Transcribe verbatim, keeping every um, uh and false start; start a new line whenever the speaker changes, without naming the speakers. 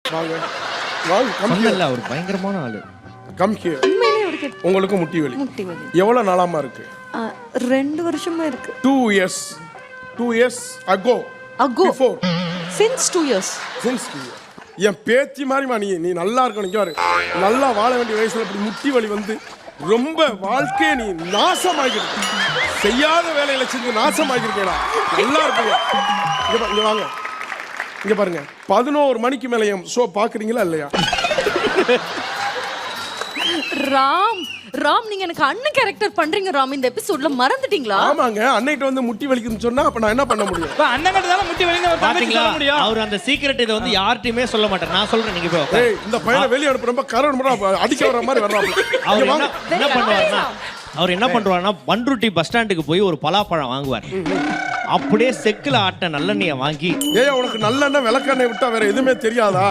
வாங்க வாங்க come here
சொன்னல அவர் பயங்கரமான ஆளு.
Come here.
உண்மையிலே அவருக்கு
உங்களுக்கு முட்டி வலி
முட்டி வலி
எவ்வளவு நாளாமா இருக்கு?
ஆ, ரெண்டு வருஷமா இருக்கு.
Two years two years ago
ago
before
since two years
since என் பேத்தி மாதிரிமா நீ நீ நல்லா இருக்கணும். இங்க பாரு, நல்லா வாழ வேண்டிய வயசுல இப்படி முட்டி வலி வந்து ரொம்ப வாழ்க்கையை நீ நாசமாகிருக்க. செய்யாத வேலையில செஞ்சு நாசமாகிருக்கேடா. நல்லா இருப்பீங்க. இங்க பா- இங்க வாங்க, இங்க பாருங்க. பதினோரு மணிக்கு மேல என் ஷோ பாக்குறீங்களா இல்லையா?
ராம் ராம் நீங்க எனக்கு அண்ணன் கேரக்டர் பண்றீங்க ராம். இந்த எபிசோட்ல மறந்துட்டீங்களா?
ஆமாங்க, அன்னைக்கு வந்து முட்டி வலிக்குதுன்னு சொன்னா அப்ப நான் என்ன பண்ண முடியும்?
இப்ப அண்ணன் கிட்ட தான் முட்டி வலிங்க ஒரு தங்கச்சி
பாத்தீங்களா
சொல்ல முடியும்.
அவர் அந்த சீக்ரெட் இத வந்து யார்ட்டயுமே சொல்ல மாட்டார். நான் சொல்றேன், நீங்க போய் உட்காருங்க.
ஏய், இந்த பையனை வெளிய அனுப்புறப்ப கரண்ட் மட்டும் அடிக்க வர மாதிரி வர்றாங்க.
அவர் என்ன என்ன பண்ணுவாருன்னா அவர் என்ன பண்ணுவாருன்னா பண்ருட்டி பஸ் ஸ்டாண்டுக்கு போய் ஒரு பலாப்பழம் வாங்குவார். அப்படியே செக்குல ஆட்ட நல்லெண்ணெயை வாங்கி
ஏய், உனக்கு நல்லெண்ணெய் விளக்கெண்ணெய் விட்டா வேற எதுவுமே தெரியாதா?